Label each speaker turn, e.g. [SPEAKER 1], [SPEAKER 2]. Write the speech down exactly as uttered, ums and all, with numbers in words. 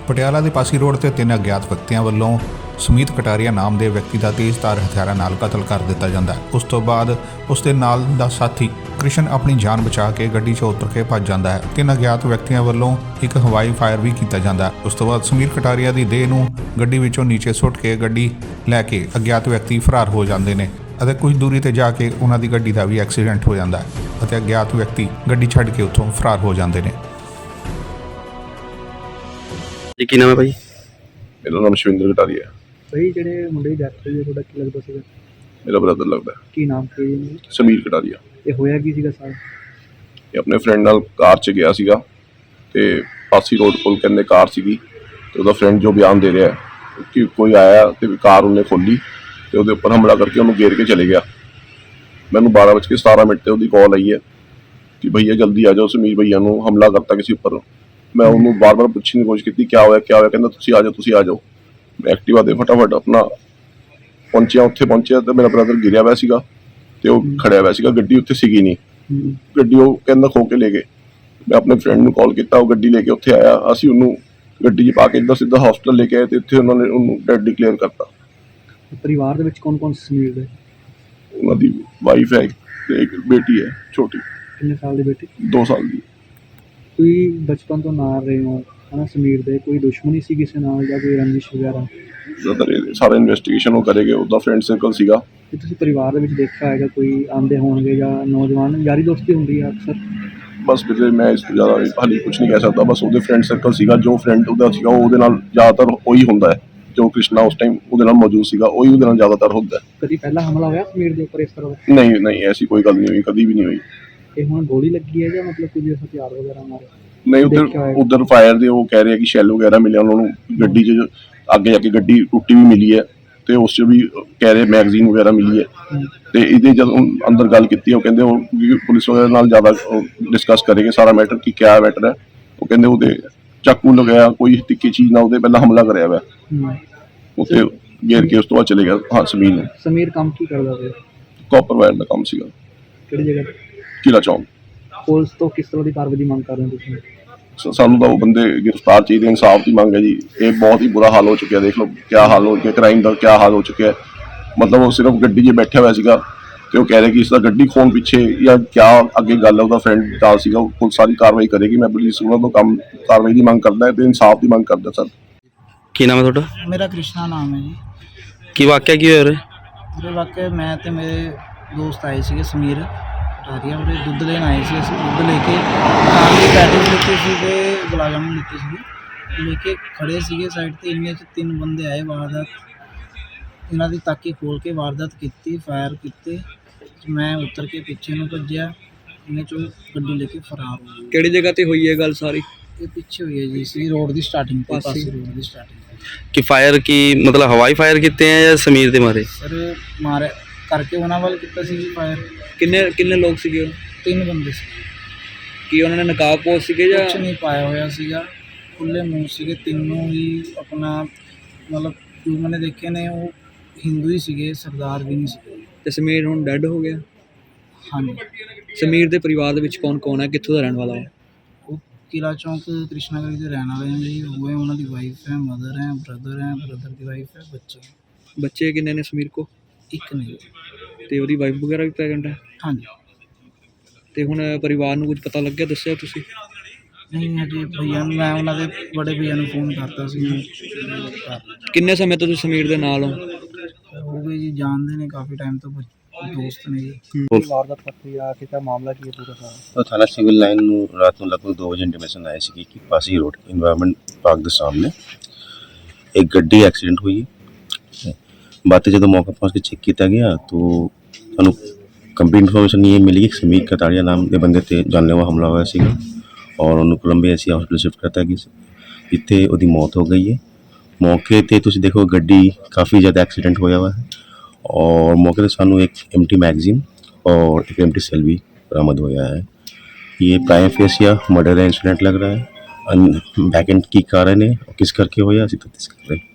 [SPEAKER 1] ਪਟਿਆਲਾ ਦੇ ਪਾਸੀ ਰੋਡ ਤੇ ਤਿੰਨ ਅਗਿਆਤ ਵਿਅਕਤੀਆਂ ਵੱਲੋਂ ਸੁਮੀਤ ਕਟਾਰੀਆ ਨਾਮ ਦੇ ਵਿਅਕਤੀ ਦਾ ਤੇਜ਼ਧਾਰ ਹਥਿਆਰਾਂ ਨਾਲ ਕਤਲ ਕਰ ਦਿੱਤਾ ਜਾਂਦਾ ਹੈ। ਉਸ ਤੋਂ ਬਾਅਦ ਉਸ ਦੇ ਨਾਲ ਦਾ ਸਾਥੀ ਕ੍ਰਿਸ਼ਨ ਆਪਣੀ ਜਾਨ ਬਚਾ ਕੇ ਗੱਡੀ 'ਚੋਂ ਉਤਰ ਕੇ ਭੱਜ ਜਾਂਦਾ ਹੈ। ਤਿੰਨ ਅਗਿਆਤ ਵਿਅਕਤੀਆਂ ਵੱਲੋਂ ਇੱਕ ਹਵਾਈ ਫਾਇਰ ਵੀ ਕੀਤਾ ਜਾਂਦਾ ਹੈ। ਉਸ ਤੋਂ ਬਾਅਦ ਸੁਮੀਤ ਕਟਾਰੀਆ ਦੀ ਦੇਹ ਨੂੰ ਗੱਡੀ ਵਿੱਚੋਂ ਨੀਚੇ ਸੁੱਟ ਕੇ ਗੱਡੀ ਲੈ ਕੇ ਅਗਿਆਤ ਵਿਅਕਤੀ ਫਰਾਰ ਹੋ ਜਾਂਦੇ ਨੇ ਅਤੇ ਕੁਝ ਦੂਰੀ ਤੇ ਜਾ ਕੇ ਉਹਨਾਂ ਦੀ ਗੱਡੀ ਦਾ ਵੀ ਐਕਸੀਡੈਂਟ ਹੋ ਜਾਂਦਾ ਹੈ ਅਤੇ ਅਗਿਆਤ ਵਿਅਕਤੀ ਗੱਡੀ ਛੱਡ ਕੇ ਉੱਥੋਂ ਫਰਾਰ ਹੋ ਜਾਂਦੇ ਨੇ।
[SPEAKER 2] ਜੀ ਕੀ ਨਾਮ ਹੈ ਭਾਈ?
[SPEAKER 3] ਮੇਰਾ ਨਾਮ ਸ਼ਿਵਿੰਦਰ ਕਟਾਰੀਆ ਹੈ।
[SPEAKER 4] ਭਾਈ ਜਿਹੜੇ ਮੁੰਡੇ ਦੀ ਡੈਥ ਹੋਈ ਹੈ ਤੁਹਾਡਾ ਕੀ ਲੱਗਦਾ ਸੀਗਾ?
[SPEAKER 3] ਮੇਰਾ ਬ੍ਰਦਰ ਲੱਗਦਾ ਹੈ,
[SPEAKER 4] ਕੀ ਨਾਮ ਸੀ ਜੀ?
[SPEAKER 3] ਸਮੀਰ ਕਟਾਰੀਆ।
[SPEAKER 4] ਇਹ ਹੋਇਆ ਕੀ ਸੀਗਾ ਸਰ?
[SPEAKER 3] ਇਹ ਆਪਣੇ ਫਰੈਂਡ ਨਾਲ ਕਾਰ 'ਚ ਗਿਆ ਸੀਗਾ ਤੇ ਪਾਸੀ ਰੋਡ ਕੋਲ ਕਹਿੰਦੇ ਕਾਰ ਸੀਗੀ ਤੇ ਉਹਦਾ ਫਰੈਂਡ ਜੋ ਬਿਆਨ ਦੇ ਰਿਹਾ ਹੈ ਕਿ ਕੋਈ ਆਇਆ ਤੇ ਕਾਰ ਉਹਨੇ ਖੋਲੀ ਤੇ ਉਹਦੇ ਉੱਪਰ ਹਮਲਾ ਕਰਕੇ ਉਹਨੂੰ ਘੇਰ ਕੇ ਚਲੇ ਗਿਆ। ਮੈਨੂੰ ਬਾਰਾਂ ਵਜੇ ਸਤਾਰਾਂ ਮਿੰਟ ਤੇ ਉਹਦੀ ਕਾਲ ਆਈ ਹੈ ਕਿ ਭਈਆ ਜਲਦੀ ਆ ਜਾਓ, ਸਮੀਰ ਭਈਆ ਨੂੰ ਹਮਲਾ ਕਰਤਾ ਕਿਸੇ ਉੱਪਰ। ਮੈਂ ਉਹਨੂੰ ਬਾਰ ਬਾਰ ਪੁੱਛਣ ਦੀ ਕੋਸ਼ਿਸ਼ ਕੀਤੀ ਕਿਆ ਹੋਇਆ ਕਿਆ ਹੋਇਆ, ਕਹਿੰਦਾ ਤੁਸੀਂ ਆ ਜਾਓ ਤੁਸੀਂ ਆ ਜਾਓ। ਮੈਂ ਐਕਟਿਵਾ ਦੇ ਫਟਾਫਟ ਆਪਣਾ ਪਹੁੰਚਿਆ, ਉੱਥੇ ਪਹੁੰਚਿਆ ਤੇ ਮੇਰਾ ਬ੍ਰਦਰ ਗਿਰਿਆ ਹੋਇਆ ਸੀਗਾ ਤੇ ਉਹ ਖੜਿਆ ਹੋਇਆ ਸੀਗਾ, ਗੱਡੀ ਉੱਥੇ ਸੀਗੀ ਨਹੀਂ, ਗੱਡੀ ਉਹ ਕਹਿੰਦਾ ਖੋ ਕੇ ਲੈ ਗਏ। ਮੈਂ ਆਪਣੇ ਫਰੈਂਡ ਨੂੰ ਕਾਲ ਕੀਤਾ, ਉਹ ਗੱਡੀ ਲੈ ਕੇ ਉੱਥੇ ਆਇਆ, ਅਸੀਂ ਉਹਨੂੰ ਗੱਡੀ 'ਚ ਪਾ ਕੇ ਇੱਦਾਂ ਸਿੱਧਾ ਹਸਪਤਾਲ ਲੈ ਕੇ ਆਏ ਤੇ ਇੱਥੇ ਉਹਨਾਂ ਨੇ ਉਹਨੂੰ ਡੈਡ ਡਿਕਲੇਅਰ ਕਰਤਾ।
[SPEAKER 4] ਪਰਿਵਾਰ ਦੇ ਵਿੱਚ ਕੌਣ ਕੌਣ ਸਮੀਰ ਦੇ?
[SPEAKER 3] ਉਹਨਾਂ ਦੀ ਵਾਈਫ ਹੈ ਤੇ ਇੱਕ ਬੇਟੀ ਹੈ ਛੋਟੀ।
[SPEAKER 4] ਕਿੰਨੇ ਸਾਲ ਦੀ ਬੇਟੀ?
[SPEAKER 3] ਦੋ ਸਾਲ ਦੀ।
[SPEAKER 4] ਕੋਈ ਬਚਪਨ ਤੋਂ ਨਾਲ ਰਹੇ ਹੋ ਹਨਾ ਸਮੀਰ ਦੇ, ਕੋਈ ਦੁਸ਼ਮਣੀ ਸੀ ਕਿਸੇ ਨਾਲ ਜਾਂ ਕੋਈ ਰੰਜਿਸ਼ ਵਗੈਰਾ?
[SPEAKER 3] ਜ਼ਿਆਦਾਤਰ ਸਾਰਾ ਇਨਵੈਸਟੀਗੇਸ਼ਨ ਉਹ ਕਰੇਗੇ, ਉਹਦਾ ਫਰੈਂਡ ਸਰਕਲ ਸੀਗਾ।
[SPEAKER 4] ਕਿ ਤੁਸੀਂ ਪਰਿਵਾਰ ਦੇ ਵਿੱਚ ਦੇਖਿਆ ਹੋਏਗਾ ਕੋਈ ਆਉਂਦੇ ਹੋਣਗੇ ਜਾਂ ਨੌਜਵਾਨ ਯਾਰੀ ਦੋਸਤੀ ਹੁੰਦੀ ਹੈ ਅਕਸਰ?
[SPEAKER 3] ਬਸ ਵੀਰੇ ਮੈਂ ਇਸ ਤੋਂ ਜ਼ਿਆਦਾ ਹਾਲੇ ਕੁਛ ਨਹੀਂ ਕਹਿ ਸਕਦਾ। ਬਸ ਉਹਦੇ ਫਰੈਂਡ ਸਰਕਲ ਸੀਗਾ, ਜੋ ਫਰੈਂਡ ਉਹਦਾ ਸੀਗਾ ਉਹਦੇ ਨਾਲ ਜ਼ਿਆਦਾਤਰ ਉਹੀ ਹੁੰਦਾ ਹੈ, ਜੋ ਕ੍ਰਿਸ਼ਨਾ ਉਸ ਟਾਈਮ ਉਹਦੇ ਨਾਲ ਮੌਜੂਦ ਸੀਗਾ ਉਹੀ ਉਹਦੇ ਨਾਲ ਜ਼ਿਆਦਾਤਰ ਹੁੰਦਾ ਹੈ।
[SPEAKER 4] ਕਦੀ ਪਹਿਲਾਂ ਹਮਲਾ ਹੋਇਆ ਸਮੀਰ ਦੇ ਉੱਪਰ ਇਸ ਤਰ੍ਹਾਂ ਦਾ?
[SPEAKER 3] ਨਹੀਂ ਨਹੀਂ ਐਸੀ ਕੋਈ ਗੱਲ ਨਹੀਂ ਹੋਈ, ਕਦੀ ਵੀ ਨਹੀਂ ਹੋਈ।
[SPEAKER 4] ਇਹ ਹੁਣ ਗੋਲੀ ਲੱਗੀ ਹੈ ਜਾਂ ਮਤਲਬ ਕੁਝ ਹਥਿਆਰ ਵਗੈਰਾ ਮਾਰੇ?
[SPEAKER 3] ਨਹੀਂ ਉਧਰ ਉਧਰ ਫਾਇਰ ਦੇ ਉਹ ਕਹਿ ਰਹੇ ਕਿ ਸ਼ੈਲ ਵਗੈਰਾ ਮਿਲਿਆ ਉਹਨਾਂ ਨੂੰ, ਗੱਡੀ 'ਚ ਅੱਗੇ ਜਾ ਕੇ ਗੱਡੀ ਟੁੱਟੀ ਵੀ ਮਿਲੀ ਹੈ ਤੇ ਉਸ 'ਚ ਵੀ ਕਹਿ ਰਹੇ ਮੈਗਜ਼ੀਨ ਵਗੈਰਾ ਮਿਲੀ ਹੈ। ਤੇ ਇਹਦੇ ਜਦੋਂ ਅੰਦਰ ਗੱਲ ਕੀਤੀ ਉਹ ਕਹਿੰਦੇ ਉਹ ਪੁਲਿਸ ਵਗੈਰਾ ਨਾਲ ਜ਼ਿਆਦਾ ਡਿਸਕਸ ਕਰੇਗੇ ਸਾਰਾ ਮੈਟਰ ਕਿ ਕਿਆ ਮੈਟਰ ਹੈ। ਉਹ ਕਹਿੰਦੇ ਉਹਦੇ ਚਾਕੂ ਲਗਾਇਆ ਕੋਈ ਤਿੱਖੀ ਚੀਜ਼ ਨਾਲ ਉਹਦੇ ਪਹਿਲਾਂ ਹਮਲਾ ਕਰਿਆ ਹੋਇਆ, ਉੱਥੇ ਘੇਰ ਕੇ ਉਸ ਤੋਂ ਬਾਅਦ ਚਲੇ ਗਿਆ। ਹਾਂ ਸਮੀਰ ਨੂੰ।
[SPEAKER 4] ਸਮੀਰ ਕੰਮ ਕੀ ਕਰਦਾ ਸੀ?
[SPEAKER 3] ਕਾਪਰ ਵਾਇਰ ਦਾ ਕੰਮ ਸੀਗਾ।
[SPEAKER 4] ਕਿਹੜੀ ਜਗ੍ਹਾ?
[SPEAKER 3] ਕਿਲਾ ਚੌਂਕ।
[SPEAKER 4] ਪੁਲਿਸ ਤੋਂ ਕਿਸ ਤਰ੍ਹਾਂ ਦੀ ਕਾਰਵਾਈ ਦੀ ਮੰਗ ਕਰ ਰਹੇ ਹੋ ਤੁਸੀਂ?
[SPEAKER 3] ਸਾਨੂੰ ਤਾਂ ਉਹ ਬੰਦੇ ਗ੍ਰਿਫਤਾਰ ਚਾਹੀਦੇ, ਇਨਸਾਫ ਦੀ ਮੰਗ ਹੈ ਜੀ। ਇਹ ਬਹੁਤ ਹੀ ਬੁਰਾ ਹਾਲ ਹੋ ਚੁੱਕਿਆ, ਦੇਖ ਲਓ ਕਿਆ ਹਾਲ ਹੋ ਗਿਆ, ਕ੍ਰਾਈਮ ਦਾ ਕਿਆ ਹਾਲ ਹੋ ਚੁੱਕਿਆ। ਮਤਲਬ ਉਹ ਸਿਰਫ ਗੱਡੀ 'ਚ ਬੈਠਿਆ ਹੋਇਆ ਸੀਗਾ ਤੇ ਉਹ ਕਹਿ ਰਹੇ ਕਿ ਇਸ ਦਾ ਗੱਡੀ ਖੋਣ ਪਿੱਛੇ ਜਾਂ ਕਿਆ ਅੱਗੇ ਗੱਲ ਹੈ, ਉਹਦਾ ਫਰੈਂਡ ਦਾ ਸੀਗਾ। ਉਹ ਪੁਲਿਸ ਸਾਰੀ ਕਾਰਵਾਈ ਕਰੇਗੀ। ਮੈਂ ਪੁਲਿਸ ਉਹਨਾਂ ਤੋਂ ਕੰਮ ਕਾਰਵਾਈ ਦੀ ਮੰਗ ਕਰਦਾ ਤੇ ਇਨਸਾਫ ਦੀ ਮੰਗ ਕਰਦਾ ਸਰ।
[SPEAKER 2] ਕੀ ਨਾਮ ਹੈ ਤੁਹਾਡਾ?
[SPEAKER 5] ਮੇਰਾ ਕ੍ਰਿਸ਼ਨਾ ਨਾਮ ਹੈ ਜੀ।
[SPEAKER 2] ਕੀ ਵਾਕਿਆ ਕੀ ਹੋਇਆ?
[SPEAKER 5] ਉਹਦੇ ਵਾਕਿਆ ਮੈਂ ਤੇ ਮੇਰੇ ਦੋਸਤ ਆਏ ਸੀਗੇ ਸਮੀਰ ਕਟਾਰੀਆ, ਉਹਦੇ ਦੁੱਧ ਲੈਣ ਆਏ ਸੀ। ਅਸੀਂ ਦੁੱਧ ਲੈ ਕੇ ਨਾਲ ਦੀ ਪੈਟੀਜ਼ ਲਿੱਤੇ ਸੀ ਤੇ ਗੁਲਾਬ ਜਾਮੁਨ ਲਿੱਤੇ ਸੀਗੇ, ਲੈ ਕੇ ਖੜ੍ਹੇ ਸੀਗੇ ਸਾਈਡ 'ਤੇ। ਇੰਨੇ 'ਚ ਤਿੰਨ ਬੰਦੇ ਆਏ, ਵਾਰਦਾਤ ਇਹਨਾਂ ਦੀ ਤਾਕੀ ਖੋਲ੍ਹ ਕੇ ਵਾਰਦਾਤ ਕੀਤੀ, ਫਾਇਰ ਕੀਤੇ। ਮੈਂ ਉਤਰ ਕੇ ਪਿੱਛੇ ਨੂੰ ਭੱਜਿਆ, ਇਹਨੇ 'ਚੋਂ ਗੱਡੀ ਲੈ ਕੇ ਫਰਾਰ ਹੋ ਗਏ।
[SPEAKER 4] ਕਿਹੜੀ ਜਗ੍ਹਾ ਤੇ ਹੋਈ ਹੈ ਗੱਲ ਸਾਰੀ?
[SPEAKER 5] ਇਹ ਪਿੱਛੇ ਹੋਈ ਹੈ ਜੀ, ਸੀ ਰੋਡ ਦੀ ਸਟਾਰਟਿੰਗ ਤੇ, ਪਾਸੀ ਰੋਡ ਦੀ ਸਟਾਰਟਿੰਗ।
[SPEAKER 2] ਕਿ ਫਾਇਰ ਕੀ ਮਤਲਬ ਹਵਾਈ ਫਾਇਰ ਕੀਤੇ ਆ ਜਾਂ ਸਮੀਰ ਦੇ ਮਾਰੇ?
[SPEAKER 5] ਸਰ ਮਾਰੇ ਕਰਕੇ ਉਹਨਾਂ ਵੱਲ ਕੀਤਾ ਸੀ ਜੀ ਫਾਇਰ।
[SPEAKER 4] ਕਿੰਨੇ ਕਿੰਨੇ ਲੋਕ ਸੀਗੇ?
[SPEAKER 5] ਤਿੰਨ ਬੰਦੇ ਸੀ।
[SPEAKER 4] ਕੀ ਉਹਨਾਂ ਨੇ ਨਕਾਬ ਪੋਸ਼ ਸੀਗੇ ਜਾਂ?
[SPEAKER 5] ਕੁਛ ਨਹੀਂ ਪਾਇਆ ਹੋਇਆ ਸੀਗਾ, ਖੁੱਲੇ ਮੂੰਹ ਸੀਗੇ ਤਿੰਨੋਂ ਹੀ। ਆਪਣਾ ਮਤਲਬ ਜੋ ਮੈंने ਦੇਖੇ ਨੇ ਉਹ ਹਿੰਦੂ ਹੀ ਸੀਗੇ, ਸਰਦਾਰ ਵੀ ਨਹੀਂ ਸੀਗੇ।
[SPEAKER 4] ਤੇ ਸਮੀਰ ਹੁਣ ਡੈੱਡ ਹੋ ਗਿਆ?
[SPEAKER 5] ਹਾਂਜੀ।
[SPEAKER 4] ਸਮੀਰ ਦੇ ਪਰਿਵਾਰ ਦੇ ਵਿੱਚ ਕੌਣ ਕੌਣ ਹੈ, ਕਿੱਥੋਂ ਦਾ ਰਹਿਣ ਵਾਲਾ ਹੈ?
[SPEAKER 5] ਉਹ ਕਿਲਾ ਚੌਂਕ ਕ੍ਰਿਸ਼ਨਾ ਗਲੀ ਦੇ ਰਹਿਣ ਵਾਲੇ ਨੇ ਜੀ। ਉਹ ਹੈ, ਉਹਨਾਂ ਦੀ ਵਾਈਫ ਹੈ, ਮਦਰ ਹੈ, ਬ੍ਰਦਰ ਹੈ, ਬ੍ਰਦਰ ਦੀ ਵਾਈਫ ਹੈ, ਬੱਚੇ।
[SPEAKER 4] ਬੱਚੇ ਕਿੰਨੇ ਨੇ ਸਮੀਰ ਕੋ?
[SPEAKER 5] ਇੱਕ ਨਹੀਂ।
[SPEAKER 4] ਤੇ ਉਹਦੀ ਵਾਈਫ ਵਗੈਰਾ ਵੀ ਪ੍ਰੈਗਨੈਂਟ ਹੈ?
[SPEAKER 5] ਹਾਂਜੀ।
[SPEAKER 4] ਤੇ ਹੁਣ ਪਰਿਵਾਰ ਨੂੰ ਕੁਝ ਪਤਾ ਲੱਗਿਆ, ਦੱਸਿਆ ਤੁਸੀਂ?
[SPEAKER 5] ਨਹੀਂ ਹਜੇ ਭਈਆ ਨੂੰ, ਮੈਂ ਉਹਨਾਂ ਦੇ ਬੜੇ ਭਈਆ ਨੂੰ ਫੋਨ ਕਰਤਾ ਸੀ।
[SPEAKER 6] ਕਿੰਨੇ ਸਮੇਂ ਤੋਂ ਤੁਸੀਂ ਸਮੀਰ ਦੇ ਨਾਲ ਹੋ?
[SPEAKER 5] ਹੋ ਗਏ ਜੀ, ਜਾਣਦੇ ਨੇ ਕਾਫੀ ਟਾਈਮ ਤੋਂ, ਦੋਸਤ ਨੇ ਜੀ।
[SPEAKER 4] ਵਾਰਦਾਤ ਪ੍ਰਕਿਰਿਆ ਕਿਤਾ ਮਾਮਲਾ ਕੀ ਹੈ ਪੂਰਾ ਸਾਰਾ?
[SPEAKER 7] तो थाना सिविल लाइन रात में लगभग दो बजे इंटीमेशन आई सी कि पासी रोड इन्वायरमेंट पार्क के सामने एक गड्डी एक्सीडेंट हुई है। बातें जो मौका पहुँच के चेक किया गया तो सानू कंप्लीट इन्फॉर्मेशन ये मिली कि समीर कटारिया नाम के बंदे ते जानलेवा हमला होया सीगा और उन्होंने कोलंबे ऐसी हॉस्पिटल शिफ्ट करता कि जिथे उसकी मौत हो गई है। मौके पर तुम देखो गड्डी काफ़ी ज़्यादा एक्सीडेंट होया हुआ है और मौके पर सानू एक एम्प्टी मैगजीन और एक एम्प्टी सेल भी बरामद होया है। ये प्राइम फेस या मर्डर इंसिडेंट लग रहा है। बैक एंड की कारण है किस करके होया असी तफ्तीश कर रहे हैं।